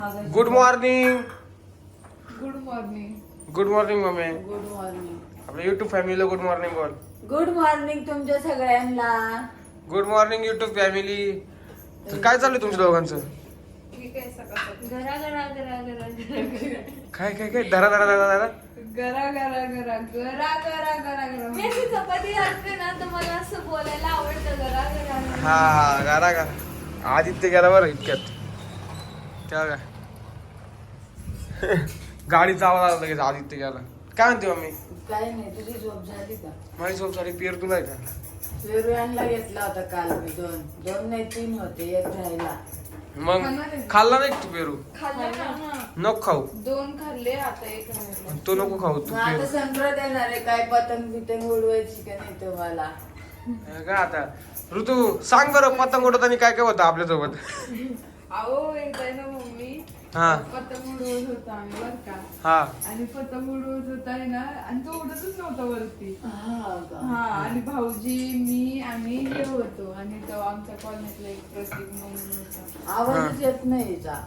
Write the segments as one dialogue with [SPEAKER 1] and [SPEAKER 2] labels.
[SPEAKER 1] Good morning.
[SPEAKER 2] Good morning.
[SPEAKER 1] Good morning mummy.
[SPEAKER 3] Good morning.
[SPEAKER 1] आपल्या YouTube फॅमिलीला good morning बोल.
[SPEAKER 3] Good morning तुमच्या सगळ्यांना.
[SPEAKER 1] Good morning YouTube family. तर काय चालू आहे तुमच्या दोघांचं?
[SPEAKER 2] ठीक आहे सकाळ
[SPEAKER 3] घरा घरा घरा घरा घरा.
[SPEAKER 1] काय काय काय धरा धरा धरा धरा.
[SPEAKER 2] गरा गरा गरा गरा गरा गरा गरा.
[SPEAKER 4] मी अशी चपाती घालते ना तर मला असं बोलायला आवडतं जरा जरा.
[SPEAKER 1] हा गारा गारा. आदित्य गेला बरं इतक्यात. त्या काय गाडीचा आवाज आला लगेच आदित्य गेला. काय म्हणते मम्मी?
[SPEAKER 3] काय नाही, तुझी झोप झाली का?
[SPEAKER 1] माझी झोप झाली. पियर तुला आहे का?
[SPEAKER 3] पेरुयांना घेतला होता काल मी. दोन नाही 3 होते, एक राहिला.
[SPEAKER 1] मग खाल्ला नाही तू पेरू?
[SPEAKER 4] खाल्लं ना.
[SPEAKER 1] नको खाऊ.
[SPEAKER 2] 2 खाल्ले आता 1 राहिला.
[SPEAKER 1] तो नको खाऊ तू
[SPEAKER 3] मग आता
[SPEAKER 1] पेरू.
[SPEAKER 3] संक्रांत येणार आहे, काय पतंग बितंग उडवायची का नाही तुम्हाला?
[SPEAKER 1] काय आता ऋतू सांग बरं, पतंग उडवताना काय काय होतं आपल्यासोबत?
[SPEAKER 2] अहो एकदा ना मम्मी
[SPEAKER 1] हा.
[SPEAKER 2] पतंग उडवत होता आम्ही बर का.
[SPEAKER 1] हा
[SPEAKER 2] आणि पतंग उडवत होता ना आणि तो उडतच नव्हता वरती.
[SPEAKER 3] हा का?
[SPEAKER 2] हा आणि भाऊजी मी आम्ही हे होतो आणि तो आमच्या कॉलनीतला एक प्रतीक म्हणून होता.
[SPEAKER 3] आवाजच येत नाही हिचा.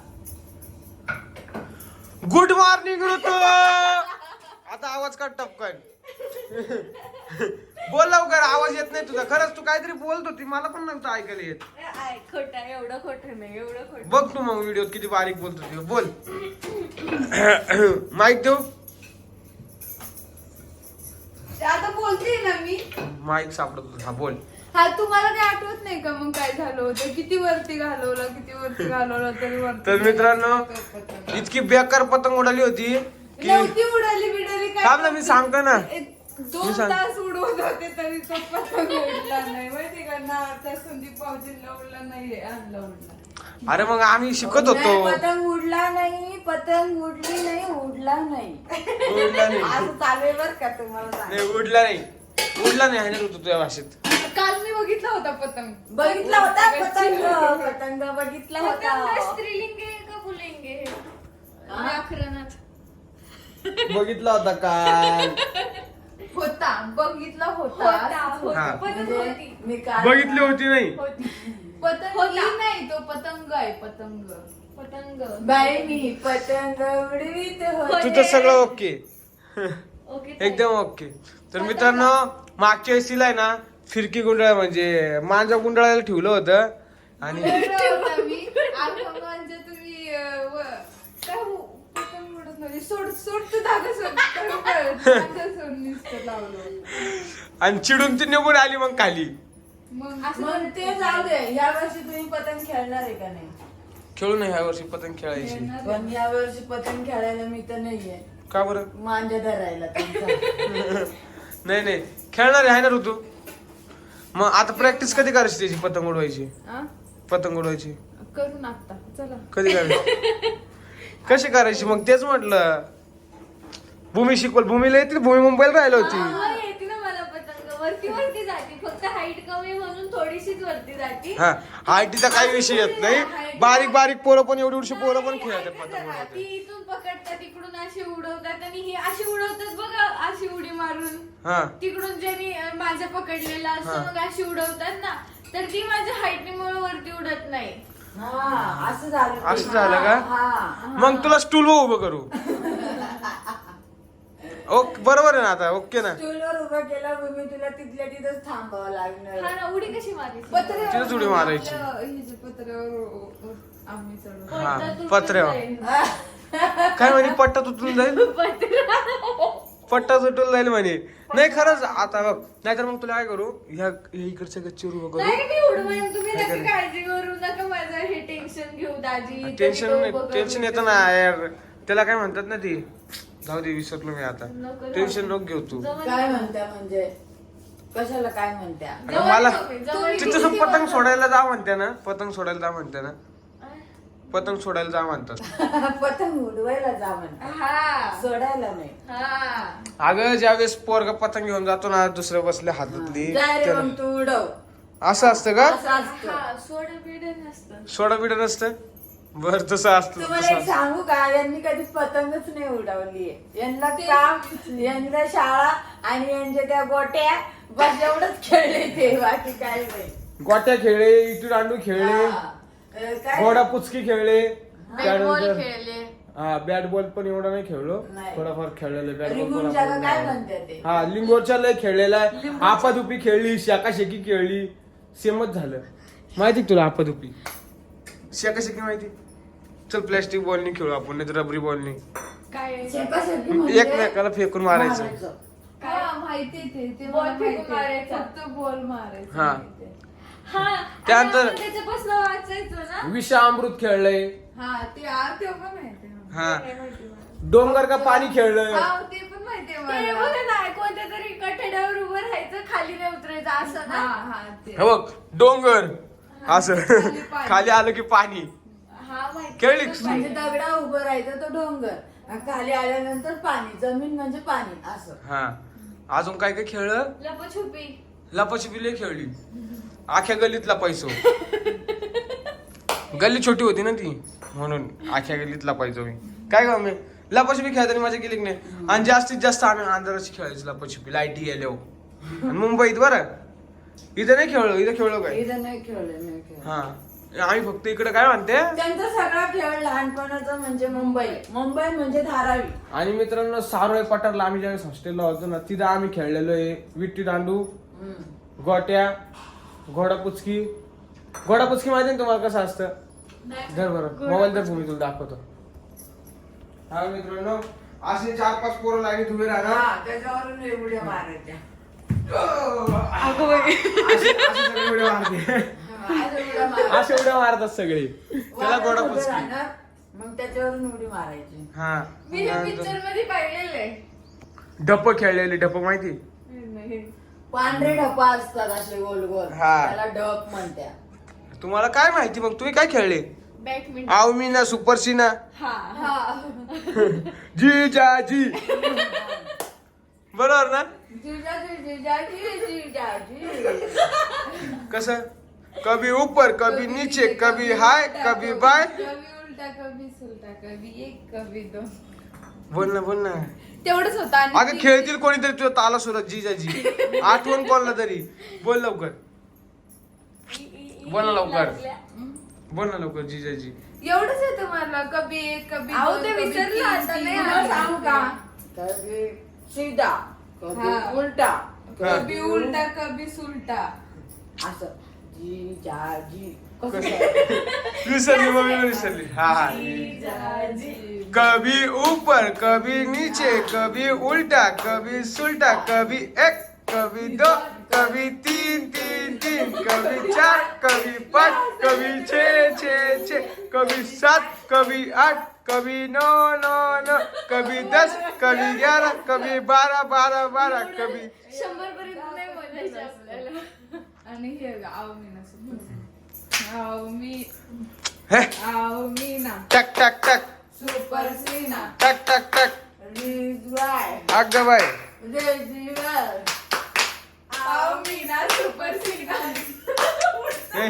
[SPEAKER 1] गुड मॉर्निंग ऋतू. आता आवाज काढ टपकन. बोल लवकर, आवाज येत नाही तुझा. खरंच तू काहीतरी बोलत होती, मला पण नव्हतं ऐकायला येत.
[SPEAKER 4] खोटं आहे, एवढं खोटं नाही, एवढं खोटं.
[SPEAKER 1] बघ तू मग व्हिडिओत किती बारीक बोलत होती. बोल. माईक देऊ?
[SPEAKER 2] आता बोलते ना मी.
[SPEAKER 1] माईक सापडत होता. हा बोल.
[SPEAKER 2] हा तुम्हाला काही आठवत नाही का मग काय झालं होतं? किती वरती घालवलं तरी वरती.
[SPEAKER 1] तर मित्रांनो, इतकी बेकार पतंग उडाली होती की
[SPEAKER 2] नव्हती उडाली बिडाली काय.
[SPEAKER 1] थांब ना, मी सांगतो ना.
[SPEAKER 2] 2 तास उडवत होते तरी तो पतंग उडला नाही माहिती का ना. त्या संदीप भाऊजींना उडला नाही, आणला उडला.
[SPEAKER 1] अरे मग आम्ही शिकत होतो.
[SPEAKER 3] नाही, पतंग उडला नाही, पतंग उडली नाही, उडला नाही.
[SPEAKER 1] उडला नाही.
[SPEAKER 3] आज चालू बर का तुम्हाला सांग.
[SPEAKER 1] नाही, उडला नाही. उडला नाही आहे ना ऋतू तुझ्या भाषेत.
[SPEAKER 2] काल मी बघितला होता पतंग.
[SPEAKER 3] बघितला होता पतंग. पतंग बघितला
[SPEAKER 4] पतंग
[SPEAKER 3] होता.
[SPEAKER 4] स्त्रीलिंग आहे का पुल्लिंग आहे? व्याकरणात.
[SPEAKER 1] बघितला होता काय?
[SPEAKER 2] होता बघितला होता.
[SPEAKER 1] हा.
[SPEAKER 4] पतंग
[SPEAKER 3] म्हणजे
[SPEAKER 4] होती.
[SPEAKER 3] मी काय
[SPEAKER 1] बघितली होती नाही.
[SPEAKER 2] पतंग
[SPEAKER 4] होता.
[SPEAKER 2] ही नाही, तो पतंग आहे पतंग.
[SPEAKER 4] पतंग.
[SPEAKER 3] बाई मी पतंग उडवीत होते.
[SPEAKER 1] तुझं सगळं ओके.
[SPEAKER 4] ओके.
[SPEAKER 1] एकदम ओके. तर मित्रांनो, मागच्या वेळेला आहे ना फिरकी गुंडाळ म्हणजे मांजा गुंडाळायला ठेवलं होतं आणि
[SPEAKER 2] होता मी. आणि मग म्हणजे तुम्ही काय पतंग उडत नव्हती. सोड तू धागा सोड. धागा सोड नुसतं लावलं.
[SPEAKER 1] आणि चिडून ती निघून आली मग खाली.
[SPEAKER 2] मग
[SPEAKER 3] मग ते जाऊ दे. या वर्षी तुम्ही पतंग खेळणार आहे का नाही?
[SPEAKER 1] खेळू नाही ह्या वर्षी पतंग खेळायची.
[SPEAKER 3] पण या वर्षी पतंग खेळायला मी तर नाहीये.
[SPEAKER 1] का बरं?
[SPEAKER 3] मांजा धरायला तुमचा.
[SPEAKER 1] नाही नाही, खेळणार आहे ना ऋतू. मग आता प्रॅक्टिस कधी करायची त्याची पतंग उडवायची?
[SPEAKER 2] आ?
[SPEAKER 1] पतंग उडवायची
[SPEAKER 2] करून आता चला.
[SPEAKER 1] कधी करायची? कशी करायची? मग तेच म्हटलं. भूमी शिकवल. भूमीला येते. भूमी मुंबईला राहिली होती.
[SPEAKER 4] हा, येते ना मला पतंग. वरती जाते, फक्त हाईट कमी म्हणून थोडीशीच वरती जाते.
[SPEAKER 1] हा, हायटीचा काही विषय येत नाही. बारीक बारीक पोरं पण एवढी पोरं पण खेळतात पतंग
[SPEAKER 4] ती
[SPEAKER 1] उडवतात.
[SPEAKER 4] इथून पकडतात, तिकडून अशी उडवतात आणि ही अशी उडवतात बघा, अशी उडी मारून.
[SPEAKER 1] हा
[SPEAKER 4] तिकडून ज्यांनी माझ्या पकडलेला असं
[SPEAKER 1] हा.
[SPEAKER 4] मग अशी उडवतात ना, तर ती माझ्या हाईटमुळे वरती उडत नाही.
[SPEAKER 3] हा असं झालं ते.
[SPEAKER 1] असं झालं का?
[SPEAKER 3] हा.
[SPEAKER 1] मग तुला स्टूल उभं करू. ओके, बरोबर आहे ना आता? ओके ना?
[SPEAKER 3] स्टूलवर उभा केला मी तुला तिथल्या तिथंच थांबावं लागणार.
[SPEAKER 4] हा ना, उडी कशी मारायची?
[SPEAKER 1] तिथेच उडी मारायची.
[SPEAKER 2] पत्र्यावर आम्ही चढू.
[SPEAKER 1] हा,
[SPEAKER 4] पट्टा तुटून
[SPEAKER 1] पत्र्यावर.
[SPEAKER 4] जाईल.
[SPEAKER 1] काय म्हणे? पट्टा तुटून जाईल. पट्टा तुटून जाईल म्हणे. नाही खरंच आता बघ. नाहीतर मग तुला काय करू, ह्या इकडच्या गच्चीवर उभं करू.
[SPEAKER 4] नाही मी उडवेन, तुम्ही नका काळजी करू नका, माझं हे टेन्शन घेऊ दाजी.
[SPEAKER 1] टेन्शन येतं ना यार. त्याला काय म्हणतात ना ती. जाऊ दे, विसरलो मी आता.
[SPEAKER 4] नको
[SPEAKER 1] टेन्शन नको घेऊ तू.
[SPEAKER 3] काय म्हणत्या म्हणजे कशाला काय म्हणत्या?
[SPEAKER 1] अगं मला
[SPEAKER 4] जवळ
[SPEAKER 1] तिथं पतंग सोडायला जा म्हणते ना. पतंग सोडायला जा म्हणते ना. पतंग सोडायला जा म्हणतात.
[SPEAKER 3] पतंग उडवायला जा म्हणता,
[SPEAKER 4] हा
[SPEAKER 3] सोडायला नाही.
[SPEAKER 4] हा.
[SPEAKER 1] अगं ज्यावेळेस पोरगा पतंग घेऊन जातो ना दुसऱ्या बसल्या हातातली,
[SPEAKER 3] जाय रे
[SPEAKER 1] त्याला-
[SPEAKER 3] मग तू उडव.
[SPEAKER 1] असं असतं का?
[SPEAKER 3] असं असतं.
[SPEAKER 4] हा, सोडा बिडा नसतं.
[SPEAKER 1] सोडा बिडा नसतं. बर तसं असतं.
[SPEAKER 3] तुम्हाला
[SPEAKER 1] तसं
[SPEAKER 3] एक
[SPEAKER 1] असतं.
[SPEAKER 3] सांगू का, यांनी कधी पतंगच नाही उडवली. यांना काम, यांना शाळा आणि यांच्या त्या गोट्या बस एवढंच खेळले ते, बाकी काय नाही.
[SPEAKER 1] गोट्या खेळले, इटू दांडू खेळले,
[SPEAKER 3] हा. काय
[SPEAKER 1] घोडा पुचकी खेळले. त्यानंतर
[SPEAKER 4] खेळले.
[SPEAKER 1] हा बॅट बॉल पण एवढा नाही खेळलो,
[SPEAKER 3] नाही.
[SPEAKER 1] थोडाफार खेळलेलं बॅट
[SPEAKER 3] रिंगून जागा काय म्हणते ते?
[SPEAKER 1] हा लिंगोरच्या लय खेळलेला आहे. आपादुपी खेळली, शाकाशेकी खेळली, सेमच झालं. माहिती का तुला आपादुपी शाकाशेकी माहिती? चल प्लॅस्टिक बॉलनी खेळू आपण, नाही तर रबरी बॉलनी
[SPEAKER 4] काय
[SPEAKER 3] शेकाशेकी म्हणजे
[SPEAKER 1] एकमेकाला फेकून मारायचं.
[SPEAKER 2] हा माहिती ते
[SPEAKER 4] बॉल
[SPEAKER 2] मला
[SPEAKER 4] फेकून
[SPEAKER 2] माहिती.
[SPEAKER 4] मारायचा.
[SPEAKER 2] फक्त बॉल मारायचा
[SPEAKER 1] हा.
[SPEAKER 2] माहिती.
[SPEAKER 4] हा
[SPEAKER 1] त्यानंतर-
[SPEAKER 4] त्याच्यापासून वाचायचो ना.
[SPEAKER 1] विषामृत खेळलंय.
[SPEAKER 2] हा ते ते पण माहिती आहे.
[SPEAKER 1] हा
[SPEAKER 4] काय माहिती मला.
[SPEAKER 1] डोंगर का पाणी खेळलंय.
[SPEAKER 2] हा ते पण माहिती आहे
[SPEAKER 4] ते
[SPEAKER 2] मला.
[SPEAKER 4] बघा ना, कोणत्या तरी कठड्यावर उभं राहायचं, खाली नाही उतरायचं असं
[SPEAKER 2] हा
[SPEAKER 4] ना.
[SPEAKER 2] हा ते
[SPEAKER 1] हे बघ डोंगर असं
[SPEAKER 2] खाली पाणी.
[SPEAKER 1] खाली आलं की पाणी.
[SPEAKER 4] हा माहिती.
[SPEAKER 1] खेळली?
[SPEAKER 3] म्हणजे दगडा उभं राहायचं तो डोंगर, आणि खाली आल्यानंतर पाणी, जमीन म्हणजे पाणी असं.
[SPEAKER 1] हा अजून काय काय खेळलं?
[SPEAKER 4] लपाछुपी.
[SPEAKER 1] लपाछपी लय खेळली, आख्या गल्लीत लपायचो. गल्ली छोटी होती ना ती, म्हणून आख्या गल्लीत लपायचो मी. काय का मी लपाछपी खेळताना मजा केली की नाही. आणि जास्तीत जास्त आम्ही अंधाराची खेळायचो लपाछपी, लाईटी गेल्यावर. आणि मुंबईत बरं इथं नाही खेळलो, इथं खेळलो काय.
[SPEAKER 3] इथं नाही खेळलं, नाही खेळलं.
[SPEAKER 1] हा आम्ही फक्त इकडे काय म्हणते.
[SPEAKER 3] त्यांचा सगळा खेळ लहानपणाचा म्हणजे मुंबई, मुंबई म्हणजे धारावी.
[SPEAKER 1] आणि मित्रांनो सारोळे पठारला आम्ही ज्यावेळेस हॉस्टेलला होतो ना, तिथं आम्ही खेळलेलो आहे विट्टी दांडू, गोट्या, घोडापुचकी. घोडापुचकी माहिती ना तुम्हाला कसं असतं? धर बरं मोबाईल तर तुम्ही तुला दाखवतो. हा मित्रांनो असे 4-5 पोरं लाईनीत उभे राहणार.
[SPEAKER 3] हा, त्याच्यावरून एवढ्या मारायच्या.
[SPEAKER 1] असे सगळे उड्या मारते. असे उड्या मारतात सगळे. त्याला घोडापुचकी.
[SPEAKER 3] राहणार, मग त्याच्यावरून उडी मारायची.
[SPEAKER 1] हा
[SPEAKER 4] मी हे पिक्चर मध्ये पाहिलेलं आहे.
[SPEAKER 1] ढप्प खेळलेले. ढप्प माहिती?
[SPEAKER 3] पांढरे ढपा असतात असे गोल गोल,
[SPEAKER 1] हा.
[SPEAKER 3] त्याला ढप म्हणत्या.
[SPEAKER 1] तुम्हाला काय माहिती मग? तुम्ही काय खेळले?
[SPEAKER 4] बॅडमिंटन.
[SPEAKER 1] आवमीना सुपरसीना
[SPEAKER 4] हा
[SPEAKER 2] हा
[SPEAKER 1] जी जाजी बरोबर ना?
[SPEAKER 3] जिजाजी जिजाजी जिजाजी.
[SPEAKER 1] कसं कभी ऊपर कभी नीचे कभी हाय कभी बाय.
[SPEAKER 2] कभी उलटा कभी सुलटा, कभी एक कभी दोन.
[SPEAKER 1] बोल ना बोल ना.
[SPEAKER 2] तेवढंच होतं. आणि
[SPEAKER 1] अगं खेळतील कोणीतरी तुझ्या ताला सुरत जी जाजी आठवण कोणला तरी. बोल लवकर, बोल ना लवकर, बोल ना लवकर जी जाजी.
[SPEAKER 2] एवढंच येतं मला. कभी एक कभी
[SPEAKER 4] अहो,
[SPEAKER 2] दोन,
[SPEAKER 4] ते
[SPEAKER 2] कभी
[SPEAKER 4] विसरलं
[SPEAKER 2] तीन,
[SPEAKER 4] आता,
[SPEAKER 2] तीन,
[SPEAKER 4] नाही
[SPEAKER 2] तीन.
[SPEAKER 3] तुला सांगू का? कभी सीधा, कभी
[SPEAKER 2] हा.
[SPEAKER 3] उलटा,
[SPEAKER 2] कभी उलटा कभी सुलटा.
[SPEAKER 3] असं जिजाजी. कसं
[SPEAKER 1] कसं?
[SPEAKER 3] काय?
[SPEAKER 1] विसरली मम्मी विसरली. हा हा.
[SPEAKER 2] जिजाजी.
[SPEAKER 1] कभी ऊपर कभी नीचे कभी उल्टा कभी सुलटा कभी एक कभी दो कभी तीन तीन तीन कभी 4 कभी 5 कभी 6 कभी 7 कभी 8 कभी 9 कभी 10 कभी 11 कभी 12 कभी
[SPEAKER 4] 100 पर्यंत नाही बोलायचं आपल्याला.
[SPEAKER 2] आणि हे आवमीना सुपर आवमी
[SPEAKER 1] हे
[SPEAKER 2] आवमीना
[SPEAKER 1] टक टक टक
[SPEAKER 2] सुपर सीना
[SPEAKER 1] टक टक टक.
[SPEAKER 3] रिजवाय,
[SPEAKER 1] अगं बाय
[SPEAKER 3] रेजिवाय.
[SPEAKER 2] आवमीना सुपर सीना.
[SPEAKER 1] हे.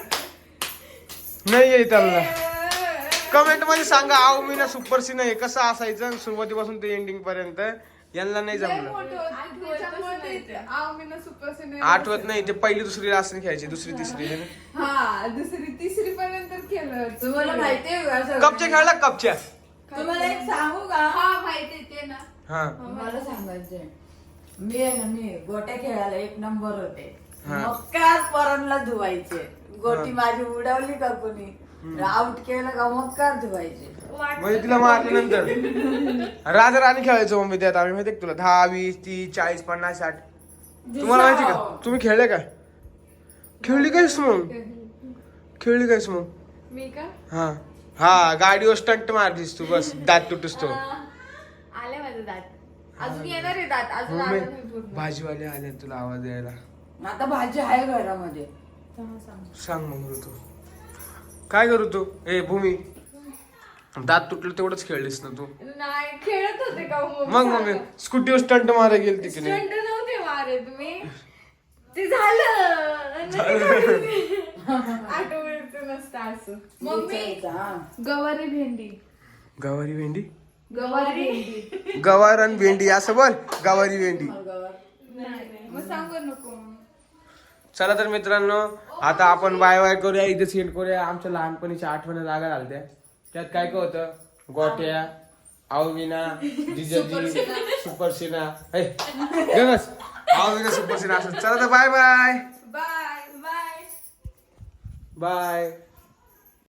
[SPEAKER 1] नाही येत मला. कमेंट मध्ये सांगा आव मी ना सुपर सीन आहे कसं असायचं सुरुवातीपासून ते एंडिंग पर्यंत. यांना नाही
[SPEAKER 2] लय
[SPEAKER 1] जमलं.
[SPEAKER 2] मोठं होतं. त्याच्यामुळे ते आवमीना सुपर सीना.
[SPEAKER 1] आठवत नाही ते पहिली दुसरी असं खेळायची दुसरी तिसरी.
[SPEAKER 2] हा दुसरी तिसरी पर्यंत केलं होतं.
[SPEAKER 3] तुम्हाला माहितीये का सगळं?
[SPEAKER 1] कपच्या खेळला कपच्या.
[SPEAKER 3] तुम्हाला एक सांगू का?
[SPEAKER 2] हा माहिती ते ना.
[SPEAKER 1] हा
[SPEAKER 3] मला सांगायचंय, मी आहे ना, मी गोट्या खेळायला 1 नंबर होते.
[SPEAKER 1] हा.
[SPEAKER 3] मक्कार पोरांना धुवायचे. गोटी माझी उडवली का कोणी आउट केलं का मक्कार धुवायचे.
[SPEAKER 1] म्हणजे तिला मारल्यानंतर राजा राणी खेळायचो मम्मी त्यात आम्ही. माहिती तुला 10 20 30 40 50 60. तुम्हाला माहिती का? तुम्ही खेळले का? खेळली कायस मग? खेळली कायस मग?
[SPEAKER 4] मी का?
[SPEAKER 1] हा हा गाडीवर स्टंट मारतीस तू बस दात तुटूस तो.
[SPEAKER 4] आले माझे दात. अजून येणार आहे दात. अजून आलं नाही
[SPEAKER 1] मम्मी
[SPEAKER 4] पूर्ण.
[SPEAKER 1] भाजीवाले आले तुला आवाज द्यायला.
[SPEAKER 3] आता भाजी आहे घरामध्ये.
[SPEAKER 1] सांग मग ऋतू काय करू तू? ए भूमी दात तुटलं तेवढंच खेळलीस ना तू.
[SPEAKER 4] नाही खेळत होते का
[SPEAKER 1] मग मम्मी स्कूटीवर स्टंट मारायला गेली तिकडे.
[SPEAKER 4] स्टंट नव्हते मारे तुम्ही. ते झालं.
[SPEAKER 2] आठवड्याचं नसतं असं. मम्मी
[SPEAKER 3] विचारायचं, हा.
[SPEAKER 2] गवारी भेंडी.
[SPEAKER 1] गवारी भेंडी.
[SPEAKER 2] गवारी भेंडी.
[SPEAKER 1] गवार आणि भेंडी असं बोल. गवारी भेंडी.
[SPEAKER 2] मग सांगू नको.
[SPEAKER 1] चला तर मित्रांनो आता आपण बाय बाय करूया. इथे सेंड करूया. आमच्या लहानपणीच्या आठवणी जागा झाल्या. त्यात काय काय होतं गोट्या आवविना जिजाजी सुपरसिना बस आवविना सुपरसिना असं चला तर bye bye
[SPEAKER 2] bye bye
[SPEAKER 1] bye